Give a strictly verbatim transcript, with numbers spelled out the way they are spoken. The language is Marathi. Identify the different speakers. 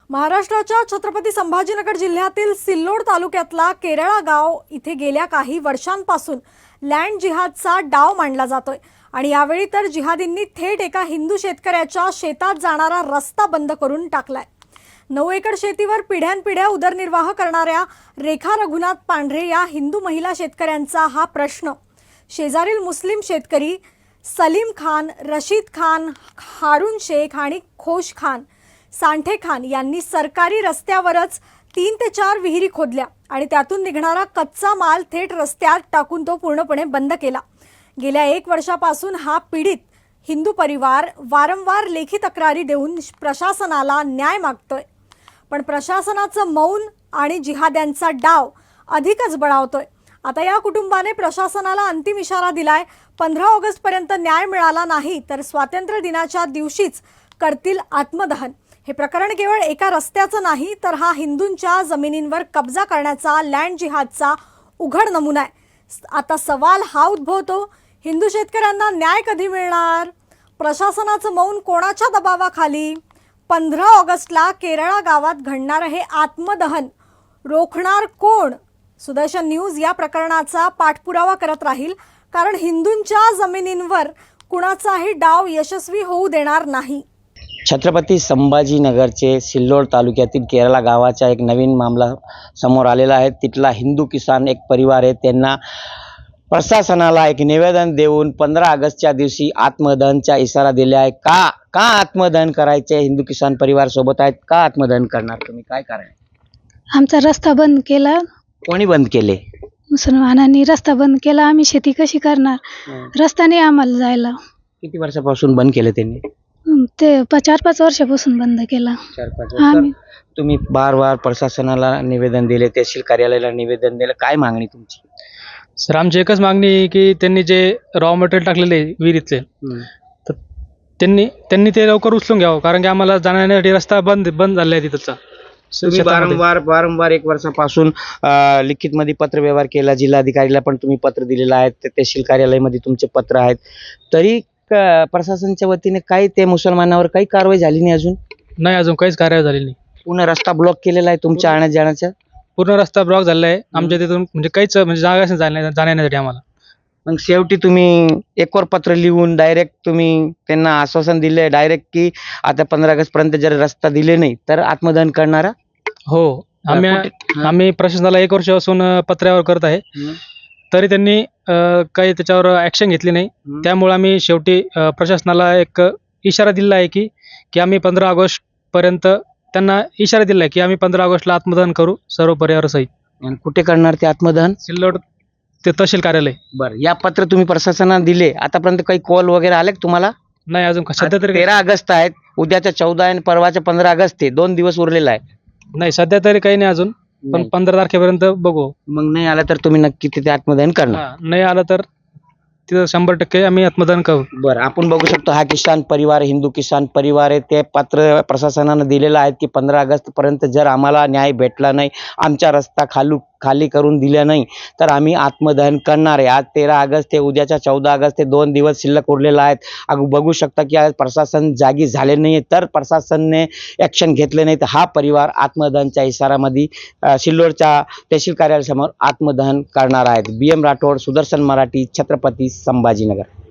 Speaker 1: महाराष्ट्राच्या छत्रपती संभाजीनगर जिल्ह्यातील सिल्लोड तालुक्यातला केरळा गाव इथे गेल्या काही वर्षांपासून लँड जिहादचा डाव मांडला जातोय आणि यावेळी तर जिहादींनी थेट एका हिंदू शेतकऱ्याच्या शेतात जाणारा रस्ता बंद करून टाकलाय। नऊ एकर शेतीवर पिढ्यानपिढ्या उदरनिर्वाह करणाऱ्या रेखा रघुनाथ पांढरे या हिंदू महिला शेतकऱ्यांचा हा प्रश्न शेजारील मुस्लिम शेतकरी सलीम खान, रशीद खान, हारून शेख आणि खोश खान सांठे खान यांनी सरकारी रस्त्यावरच तीन ते चार विहिरी खोदल्या आणि त्यातून निघणारा कच्चा माल थेट रस्त्यात टाकून तो पूर्णपणे बंद केला। गेल्या एक वर्षापासून हा पीडित हिंदू परिवार वारंवार लेखी तक्रारी देऊन प्रशासनाला न्याय मागतोय, पण प्रशासनाचं मौन आणि जिहाद्यांचा डाव अधिकच बळावतोय। आता या कुटुंबाने प्रशासनाला अंतिम इशारा दिलाय, पंधरा ऑगस्ट पर्यंत न्याय मिळाला नाही तर स्वातंत्र्य दिनाच्या दिवशीच करतील आत्मदहन। हे प्रकरण केवळ एका रस्त्याचं नाही तर हा हिंदूंच्या जमिनींवर कब्जा करण्याचा लँड जिहादचा उघड नमुना आहे। आता सवाल हा उद्भवतो, हिंदू शेतकऱ्यांना न्याय कधी मिळणार? प्रशासनाचं मौन कोणाच्या दबावाखाली? पंधरा ऑगस्टला केरळा गावात घडणार हे आत्मदहन रोखणार कोण? सुदर्शन न्यूज या प्रकरणाचा पाठपुरावा करत राहील, कारण हिंदूंच्या जमिनींवर कुणाचाही डाव यशस्वी होऊ देणार नाही।
Speaker 2: छत्रपती संभाजीनगरचे सिल्लोड तालुक्यातील केरळा गावाचा एक नवीन मामला समोर आलेला आहे। तिथला हिंदू किसान एक परिवार आहे, त्यांना प्रशासनाला एक निवेदन देऊन पंधरा ऑगस्टच्या दिवशी आत्मदहनचा इशारा दिला आहे। का का आत्मदहन करायचे? हिंदू किसान परिवार सोबत आहेत, का आत्मदहन करणार तुम्ही? काय कारण?
Speaker 3: आमचा रस्ता बंद केला।
Speaker 2: कोणी बंद केले?
Speaker 3: मुसलमानांनी रस्ता बंद केला। आम्ही शेती कशी करणार? रस्ता नाही आम्हाला जायला।
Speaker 2: किती वर्षापासून बंद केले त्यांनी?
Speaker 3: ते चार पाच वर्षापासून बंद केला।
Speaker 2: चार पाच वर्ष तुम्ही बार बार प्रशासनाला निवेदन दिले, तहसील कार्यालयाला निवेदन दिलं, काय मागणी तुमची?
Speaker 4: सर, आमची एकच मागणी आहे की त्यांनी जे रॉ मटेरियल टाकलेले विहिरीतले तर त्यांनी त्यांनी ते लवकर उचलून घ्यावं, कारण की आम्हाला जाण्यासाठी रस्ता बंद बंद झाला आहे तिथचा।
Speaker 2: तुम्ही वारंवार वारंवार एक वर्षापासून लिखित मध्ये पत्र व्यवहार केला, जिल्हाधिकारीला पण तुम्ही पत्र दिलेलं आहे, तहसील कार्यालयामध्ये तुमचे पत्र आहेत, तरी प्रशासनाच्या वतीने काही ते मुसलमानावर काही कारवाई झाली नाही? अजून
Speaker 4: नाही, अजून काहीच कारवाई झाली नाही।
Speaker 2: पूर्ण रस्ता ब्लॉक केलेला आहे तुमच्या आणण्या जाण्याचा?
Speaker 4: पूर्ण रस्ता ब्लॉक झालेला आहे आमच्या तिथून, म्हणजे काहीच म्हणजे जागा जाण्या जाण्यासाठी आम्हाला।
Speaker 2: मग शेवटी तुम्ही एकवर पत्र लिहून डायरेक्ट तुम्ही त्यांना आश्वासन दिले डायरेक्ट की आता पंधरा ऑगस्ट पर्यंत जर रस्ता दिले नाही तर आत्मदहन करणारा?
Speaker 4: हो, आम्ही आम्ही प्रशासनाला एक वर्षापासून पत्रावर करत आहे, तरी त्यांनी काही त्याच्यावर ऍक्शन घेतली नाही। त्यामुळे आम्ही शेवटी प्रशासनाला एक इशारा दिला आहे की की आम्ही पंधरा ऑगस्ट पर्यंत त्यांना इशारा दिला आहे की आम्ही पंधरा ऑगस्टला आत्मदहन करू सर्व परिवारासहित।
Speaker 2: आणि कुठे करणार ते आत्मदहन?
Speaker 4: सिल्लोड ते तहसील कार्यालय।
Speaker 2: बरं, या पत्र तुम्ही प्रशासनाला दिले, आतापर्यंत काही कॉल वगैरे आले तुम्हाला?
Speaker 4: नाही, अजून सध्या तरी
Speaker 2: तेरा ऑगस्ट आहेत, उद्याच्या चौदा आणि परवाच्या पंधरा ऑगस्ट ते दोन दिवस उरलेला आहे।
Speaker 4: नाही, सध्या तरी काही नाही अजून, पण पंधरा तारखेपर्यंत बघू।
Speaker 2: मग नाही आला तर तुम्ही नक्की तिथे आत्मदहन करणार?
Speaker 4: नाही आला तर तिथं शंभर टक्के आम्ही आत्मदहन करू।
Speaker 2: बरं, आपण बघू शकतो हा किसान परिवार, हिंदू किसान परिवार आहे, ते पत्र प्रशासनानं दिलेलं आहे की पंधरा ऑगस्ट पर्यंत जर आम्हाला न्याय भेटला नाही, आमचा रस्ता खालू खाली करून दिला नाही तर आम्ही आत्मदहन करणार आहे। आज तेरा ऑगस्ट ते उद्याच्या चौदा ऑगस्ट ते दोन दिवस शिल्लक उरलेला आहेत। अग बघू शकता की आज प्रशासन जागी झाले नाही, तर प्रशासनने ॲक्शन घेतले नाही तर हा परिवार आत्मदहनच्या इशारामध्ये सिल्लोडच्या तहसील कार्यालयासमोर आत्मदहन करणार आहेत। B M Rathod, Sudarshan Marathi, Chhatrapati Sambhajinagar.